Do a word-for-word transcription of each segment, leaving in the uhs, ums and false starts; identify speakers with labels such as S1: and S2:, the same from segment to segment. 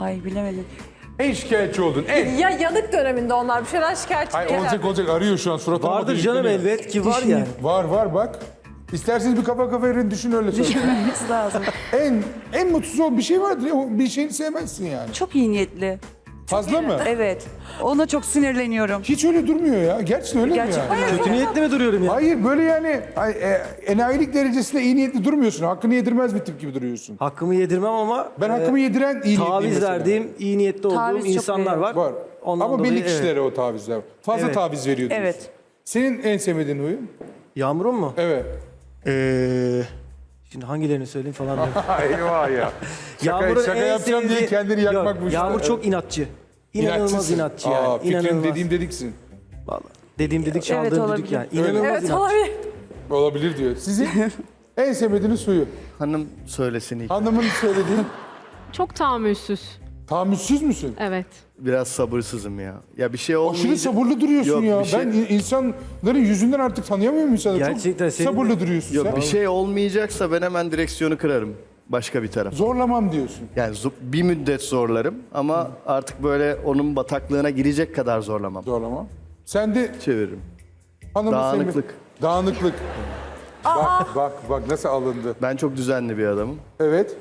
S1: Ay bilemedim.
S2: En şikayetçi oldun. En.
S3: Ya yanık döneminde onlar bir şeyden şikayetçi
S2: Hayır
S3: değiller.
S2: olacak olacak arıyor şu an suratına.
S4: Vardır
S2: bakıyor,
S4: canım
S2: yükleniyor.
S4: elbet ki var yani.
S2: Var var bak. İsterseniz bir kafa kafa verin düşün öyle söyle.
S1: Düşünmemiz lazım.
S2: en en mutsuz ol bir şey vardır ya o bir şeyini sevmezsin yani.
S1: Çok iyi niyetli.
S2: Fazla mı?
S1: Evet. Ona çok sinirleniyorum.
S2: Hiç öyle durmuyor ya. Gerçekten öyle
S1: Gerçekten
S2: mi yani?
S4: Kötü niyetli mi duruyorum ya?
S2: Hayır böyle yani ay, e, enayilik derecesinde iyi niyetli durmuyorsun. Hakkını yedirmez bir tip gibi duruyorsun.
S4: Hakkımı yedirmem ama
S2: Ben hakkımı
S4: e,
S2: yediren iyi niyetliyim
S4: taviz
S2: mesela.
S4: verdiğim, iyi niyetli olduğum
S1: Taviz çok
S4: insanlar
S1: veriyor.
S4: var.
S2: Var.
S4: Ondan
S2: Ama
S4: dolayı,
S2: belli
S4: evet.
S2: kişilere o tavizler var. Fazla
S4: Evet.
S2: taviz veriyor diyorsun.
S1: Evet.
S2: Senin en sevmediğin huyun?
S4: Yağmur'un mu?
S2: Evet.
S4: Ee, şimdi hangilerini söyleyeyim falan. diyorum.
S2: Eyvah ya. Şaka,
S4: Yağmur'un
S2: şaka
S4: en
S2: yapacağım diye
S4: sevdiği-
S2: kendini
S4: Yok,
S2: yakmakmış.
S4: Yağmur çok inatçı. İnanılmaz
S2: İnatçısın.
S4: inatçı yani.
S2: Aa, fikrin
S4: İnanılmaz.
S2: dediğim dediksin.
S4: Vallahi. Dediğim dedik çaldığım
S1: Evet,
S4: dedik
S1: olabilir.
S4: yani. İnanılmaz
S3: Evet
S4: inatçı.
S3: olabilir.
S2: Olabilir diyor. Sizin en sevmediğiniz huyu?
S5: Hanım söylesin ilk.
S2: Hanımın söylediği.
S6: Çok tahammülsüz.
S2: Tahammülsüz müsün?
S6: Evet.
S5: Biraz sabırsızım ya. Ya bir şey
S2: Aşırı
S5: olmayınca...
S2: sabırlı duruyorsun
S5: Yok,
S2: ya.
S5: bir şey-
S2: Ben in- insanların yüzünden artık tanıyamıyorum insanları.
S4: Gerçekten
S2: Çok
S4: senin de-
S2: sabırlı duruyorsun
S5: Yok
S2: sen.
S5: bir şey olmayacaksa ben hemen direksiyonu kırarım. Başka bir taraf.
S2: Zorlamam diyorsun.
S5: Yani zo- bir müddet zorlarım ama artık böyle onun bataklığına girecek kadar zorlamam.
S2: Zorlamam. Sen de
S5: Çeviririm.
S2: hanımı
S5: Dağınıklık.
S2: sevme- Dağınıklık. Bak bak bak nasıl alındı.
S5: Ben çok düzenli bir adamım.
S2: Evet.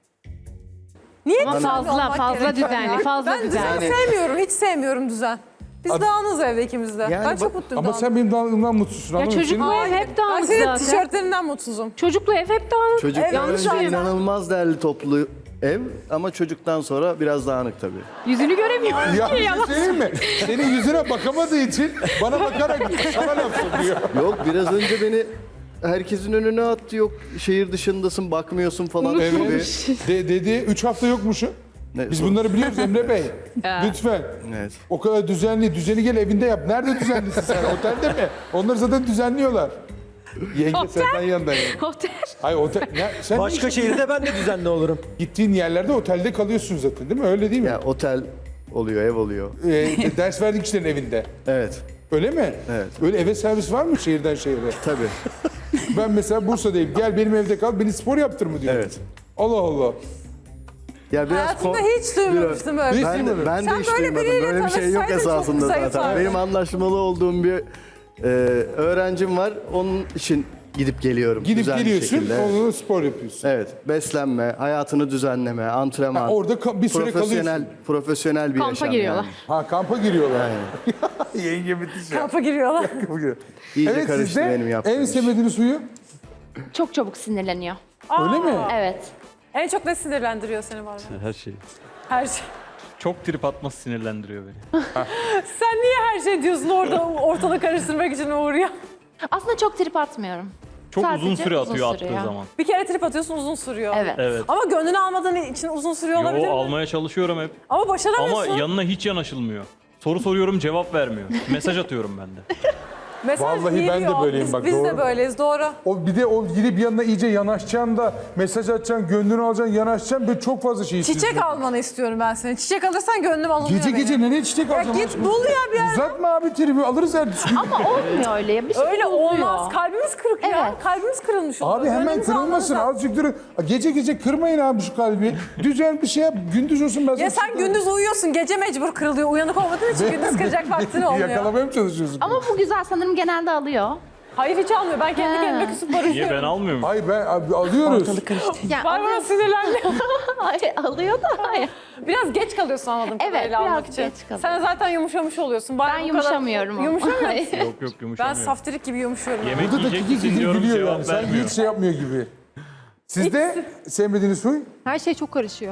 S3: Niye
S6: Ama
S3: düzenli
S6: fazla,
S3: olmak
S6: fazla
S3: gerekiyor
S6: düzenli,
S3: ya?
S6: fazla
S3: ben
S6: düzenli.
S3: düzen sevmiyorum, hiç sevmiyorum düzen. Biz
S2: Ad-
S3: dağınız evde ikimiz de.
S5: Yani
S3: ben çok
S5: bak-
S3: mutluyum
S2: Ama
S3: dağınız.
S2: sen benim dağınıklığımdan mutsuzsun.
S6: Ya
S2: anladın mı?
S6: çocuklu
S2: Senin-
S6: ev hep
S3: Ben
S6: dağınık
S3: senin
S6: zaten.
S3: tişörtlerinden mutsuzum.
S6: Çocuklu ev hep dağınık.
S5: Çocuk
S3: Evet, yanlış
S5: önce
S3: anladım.
S5: inanılmaz değerli toplu ev ama çocuktan sonra biraz dağınık tabii.
S6: Yüzünü göremiyorum
S2: Ya
S6: ki
S2: bir şey
S6: yalan.
S2: söyleyeyim mi? Senin yüzüne bakamadığı için bana bakarak sana laf sokuyor.
S5: Yok biraz önce beni herkesin önüne attı. Yok şehir dışındasın bakmıyorsun falan gibi.
S2: De, dedi üç hafta yokmuşum.
S5: Ne-
S2: Biz bunları biliyoruz Emre Bey. Lütfen.
S5: Evet.
S2: O kadar düzenli. Düzeni gel evinde yap. Nerede düzenlisin sen? Otelde mi? Onları zaten düzenliyorlar. Yenge senden yanında. yani.
S6: Otel.
S2: Hayır otel. Ya, sen
S4: Başka şehirde ben de düzenli olurum.
S2: gittiğin yerlerde otelde kalıyorsun zaten değil mi? Öyle değil mi?
S5: Ya otel oluyor, ev oluyor.
S2: Ee, ders verdik kişilerin evinde.
S5: Evet.
S2: Öyle mi?
S5: Evet.
S2: Öyle eve servis var mı şehirden şehire?
S5: Tabii.
S2: Ben mesela Bursa'dayım. Gel benim evde kal. Beni spor yaptır mı diyor.
S5: Evet.
S2: Allah Allah.
S5: Ya biraz
S3: Hayatımda
S5: ko-
S3: hiç duymamıştım böyle.
S2: Hiç
S5: Ben de, ben de
S3: Sen
S5: hiç
S3: böyle
S5: duymadım.
S3: biriyle
S5: Böyle bir şey yok
S3: tanışsaydın çok
S5: esasında
S3: zayıf
S5: zaten.
S3: abi.
S5: Benim anlaşmalı olduğum bir e, öğrencim var. Onun için gidip geliyorum.
S2: Gidip
S5: düzenli
S2: geliyorsun,
S5: şekilde. Evet.
S2: onunla spor yapıyorsun.
S5: Evet. Beslenme, hayatını düzenleme, antrenman.
S2: Ha, orada ka- bir süre
S5: profesyonel,
S2: kalıyorsun.
S5: profesyonel bir
S6: Kampa
S5: yaşam
S6: giriyorlar.
S5: yani.
S2: Ha kampa giriyorlar. Yenge müthiş ya.
S3: Kampa giriyorlar.
S2: Kampa giriyor.
S5: İyice
S2: Evet
S5: karıştı
S2: sizde
S5: benim yaptığım
S2: en
S5: iş.
S2: sevmediğiniz huyu?
S7: Çok çabuk sinirleniyor.
S2: Öyle mi?
S7: Evet.
S3: En çok ne sinirlendiriyor seni var mı?
S8: Her şey.
S3: Her şey.
S8: Çok trip atması sinirlendiriyor beni.
S3: Sen niye her şey diyorsun orada ortalığı karıştırmak için uğruyor?
S7: Aslında çok trip atmıyorum.
S8: Çok
S7: Sadece
S8: uzun süre
S7: uzun
S8: atıyor
S7: sürüyor.
S8: attığı zaman.
S3: Bir kere trip atıyorsun uzun sürüyor.
S7: Evet.
S8: Evet.
S3: Ama gönlünü almadığın için uzun sürüyor olabilir
S8: Yo
S3: mi?
S8: almaya çalışıyorum hep.
S3: Ama
S8: Ama
S3: başaramıyorsun.
S8: yanına hiç yanaşılmıyor. Soru soruyorum cevap vermiyor. Mesaj atıyorum ben de.
S3: Mesaj
S2: Vallahi ben de
S3: geliyor.
S2: böyleyim
S3: biz,
S2: bak,
S3: Biz
S2: doğru.
S3: de böyleyiz doğru.
S2: O bir de o gidip yanına iyice yanaşacaksın da mesaj atacaksın, gönlünü alacaksın, yanaşacaksın. Böyle çok fazla şey istiyorsun.
S3: Çiçek almanı istiyorum ben seni. Çiçek alırsan gönlüm alınıyor
S2: Gece
S3: benim.
S2: gece nereye çiçek
S3: Ya
S2: alacaksın?
S3: git bul ya bir yer.
S2: Uzatma abi tribi alırız ertesi gün.
S7: Ama olmuyor öyle. Bir şey
S3: Öyle
S7: oluyor.
S3: olmaz. Kalbimiz kırık ya.
S7: Evet.
S3: Kalbimiz kırılmış olur.
S2: Abi hemen
S3: Gönlümüzü
S2: kırılmasın.
S3: almanız lazım.
S2: Azıcık durun. Gece gece kırmayın abi şu kalbi. Düzen bir şey yap. Gündüz olsun ben
S3: Ya
S2: sana
S3: sen gündüz uyuyorsun. Gece mecbur kırılıyor. Uyanık olmadığın için gündüz kıracak vaktin olmuyor.
S2: Yakalamaya mı çalışıyorsun?
S7: Ama bu güzel sanırım genelde alıyor.
S3: Hayır hiç almıyor. Ben kendi
S7: Ha.
S3: kendime küsüp
S8: Niye
S3: barışıyorum.
S8: ben almıyorum?
S2: Hayır ben abi, alıyoruz.
S7: Yani
S3: Barbara
S7: alıyor.
S3: sinirlendi.
S7: Hayır, alıyor da hayır.
S3: Biraz geç kalıyorsun anladığım
S7: Evet,
S3: kadarıyla
S7: biraz
S3: almak için.
S7: geç kalıyorum.
S3: Sen zaten yumuşamış oluyorsun. Bari
S7: Ben
S3: bu kadar-
S7: yumuşamıyorum ama.
S3: Yumuşamıyor
S7: Hayır.
S3: musun?
S8: Yok yok
S3: Ben
S8: yumuşamıyor.
S3: saftirik gibi yumuşuyorum.
S8: Yemek
S2: Burada da
S8: yiyecek
S2: kiki
S8: misin
S2: kiki
S8: diyorum
S2: gülüyor
S8: cevap
S2: yani. Sanki
S8: vermiyor.
S2: hiç şey yapmıyor gibi. Sizde sevmediğiniz huy?
S6: Her şey çok karışıyor.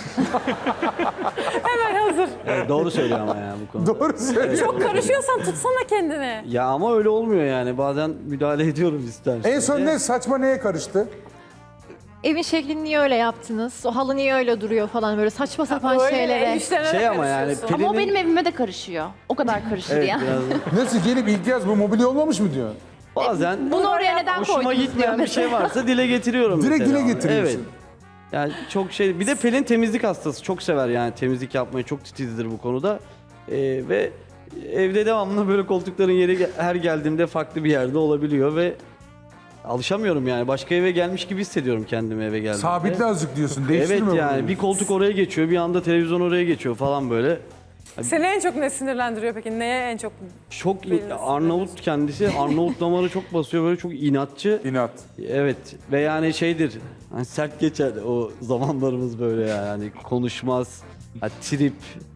S3: Hemen hazır.
S4: Evet, doğru söylüyor ama ya bu konuda.
S2: Doğru söylüyor.
S3: Çok karışıyorsan tutsana kendini.
S4: Ya ama öyle olmuyor yani. Bazen müdahale ediyorum istersen.
S2: En son ne saçma neye karıştı?
S6: Evin şeklini niye öyle yaptınız? O halı niye öyle duruyor falan böyle saçma sapan
S3: Öyle
S6: şeylere.
S3: el işlerine
S4: Şey
S3: de
S4: ama yani
S3: karışıyorsun.
S7: Ama o
S4: Pelin'in-
S7: benim evime de karışıyor. O kadar karışır
S4: Evet
S7: ya.
S4: biraz
S2: Nasıl gelip ilk yaz bu mobilya olmamış mı diyor?
S4: bazen
S7: Bunu oraya neden
S4: hoşuma
S7: koydunuz diyor
S4: gitmeyen bir şey
S7: mesela.
S4: varsa dile getiriyorum
S2: Direkt
S4: mesela.
S2: dile getiriyorsun.
S4: Evet. Yani çok şey. Bir de Pelin temizlik hastası. Çok sever yani temizlik yapmayı. Çok titizdir bu konuda. Ee, ve evde devamlı böyle koltukların yeri ge- her geldiğimde farklı bir yerde olabiliyor ve alışamıyorum yani. Başka eve gelmiş gibi hissediyorum kendimi eve geldiğimde.
S2: Sabitle azıcık diyorsun.
S4: Evet
S2: Değiştirme
S4: yani
S2: bunu.
S4: bir koltuk oraya geçiyor, bir anda televizyon oraya geçiyor falan böyle.
S3: Seni en çok ne sinirlendiriyor peki? Neye en çok?
S4: Çok
S3: Belli
S4: Arnavut kendisi, Arnavut damarı çok basıyor böyle çok inatçı.
S2: İnat.
S4: Evet ve yani şeydir, hani sert geçer o zamanlarımız böyle yani konuşmaz, ha, trip.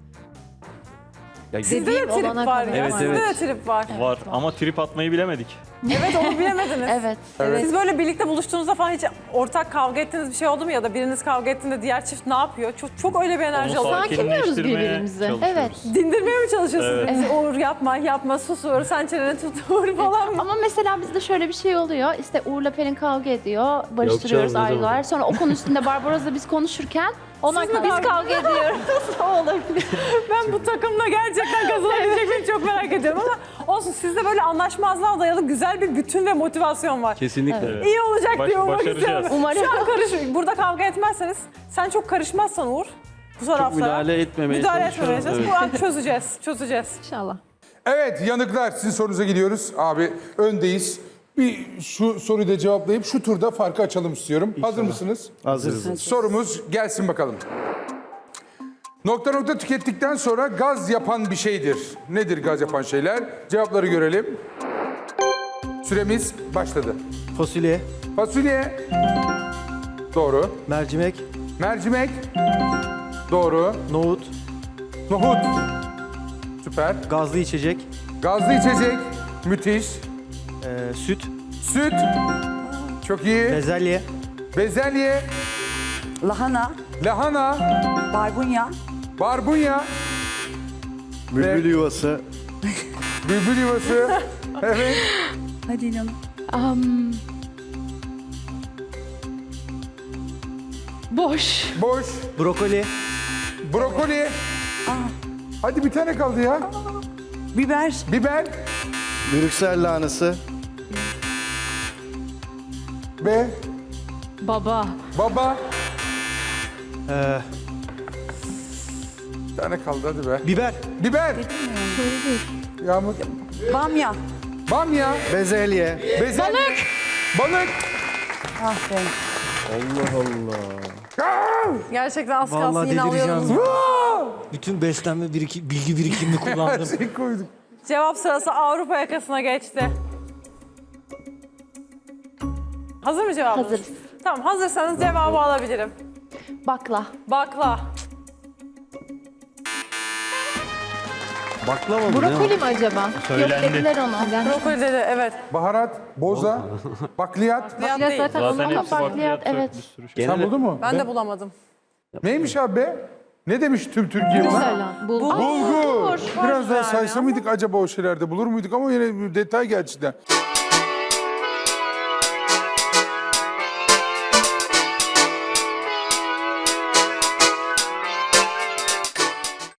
S4: Ya,
S3: Sizde de trip
S6: olana
S3: var
S6: kadar.
S3: ya.
S4: Evet,
S3: Sizde
S4: evet.
S3: de trip var.
S8: Var ama trip atmayı bilemedik.
S3: Evet onu bilemediniz.
S7: Evet.
S3: Siz böyle birlikte buluştuğunuzda falan hiç ortak kavga ettiğiniz bir şey oldu mu ya da biriniz kavga ettiğinde diğer çift ne yapıyor? Çok çok öyle bir enerji
S8: Onu
S3: oluyor.
S6: Sakinliyoruz
S8: sakinleştirmeye
S6: birbirimizi.
S8: çalışıyoruz.
S6: Evet.
S3: Dindirmeye mi çalışıyorsunuz?
S8: Evet.
S3: bizi? Uğur yapma, yapma, sus Uğur, sen çeneni tut Uğur falan mı?
S7: Ama mesela bizde şöyle bir şey oluyor. İşte Uğur'la Pelin kavga ediyor. Barıştırıyoruz
S4: canım, ne
S7: ayrılıyorlar. Sonra o konu üstünde Barbaros'la biz konuşurken
S6: Ona
S3: Siz mi
S7: biz
S3: kavga-
S7: kavga ediyoruz. o olabilir.
S3: Ben bu takımla gerçekten kazanabilecek miyim çok merak ediyorum ama olsun sizde böyle anlaşmazlığa dayalı güzel bir bütün ve motivasyon var.
S4: kesinlikle.
S8: Evet.
S3: İyi olacak
S8: Baş-
S3: diye ummak
S8: başaracağız.
S3: istiyorum.
S7: Umarım.
S3: Şu an karış, burada kavga etmezseniz, sen çok karışmazsan Uğur, bu taraflara.
S4: müdahale etmemeye
S3: Müdahale
S4: çalışıyorum,
S3: etmemeye çalış. Bu an çözeceğiz, çözeceğiz.
S6: İnşallah.
S2: Evet yanıklar sizin sorunuza gidiyoruz. Abi öndeyiz. Bir şu soruyu da cevaplayıp şu turda farkı açalım istiyorum. Hazır mısınız?
S5: Hazırız.
S2: Sorumuz gelsin bakalım. Nokta nokta tükettikten sonra gaz yapan bir şeydir. Nedir gaz yapan şeyler? Cevapları görelim. Süremiz başladı.
S9: Fasulye,
S2: Fasulye. Doğru.
S9: mercimek,
S2: Mercimek. Doğru.
S9: nohut,
S2: Nohut. Süper.
S9: gazlı içecek,
S2: Gazlı içecek. Müthiş.
S9: e, süt,
S2: Süt. Çok iyi.
S9: bezelye,
S2: Bezelye.
S1: Lahana,
S2: Lahana.
S1: barbunya,
S2: Barbunya.
S5: Bülbül yuvası.
S2: Bülbül yuvası. Evet.
S1: hadi inanın.
S7: Am, boş.
S2: Boş.
S9: brokoli,
S2: Brokoli. Hadi bir tane kaldı ya.
S1: Biber,
S2: Biber.
S5: Brüksel lahanası.
S2: Ve
S7: Baba.
S2: baba.
S9: e,
S2: Bir tane kaldı hadi be.
S9: biber,
S2: Biber. Yağmur.
S1: bamya.
S2: Bamya.
S5: Bezelye.
S2: Bezelye. Balık. Balık.
S1: Ah be.
S3: Gerçekten az kalsın
S9: vallahi
S3: yine alıyordunuz.
S9: delireceğim. Bütün beslenme biriki, bilgi birikimini
S2: Her
S9: kullandım.
S2: şeyi koyduk.
S3: Cevap sırası Avrupa yakasına geçti. Hazır mı cevabınız?
S7: Hazırız.
S3: Tamam hazırsanız cevabı alabilirim.
S7: Bakla.
S3: Bakla.
S4: Baklava mı? ne o?
S6: Brokoli mi acaba?
S8: Söylendi.
S7: Yok dediler onu.
S3: Brokoli dedi evet.
S2: Baharat. Boza. Bakliyat.
S3: Bakliyat
S6: Ya
S3: değil.
S6: zaten
S8: Zaten
S6: onu
S8: hepsi
S7: bakliyat,
S8: bakliyat.
S7: evet.
S8: Bir sürü şey.
S2: Sen
S4: Genel-
S2: buldun mu?
S3: Ben de bulamadım.
S2: Neymiş abi be? Ne demiş tüm Türkiye buna?
S6: Güzel. Bulgur.
S2: Bulgur. Biraz daha
S3: Var
S2: saysa
S3: yani
S2: mıydık acaba o şeylerde bulur muyduk ama yine bir detay gerçekten.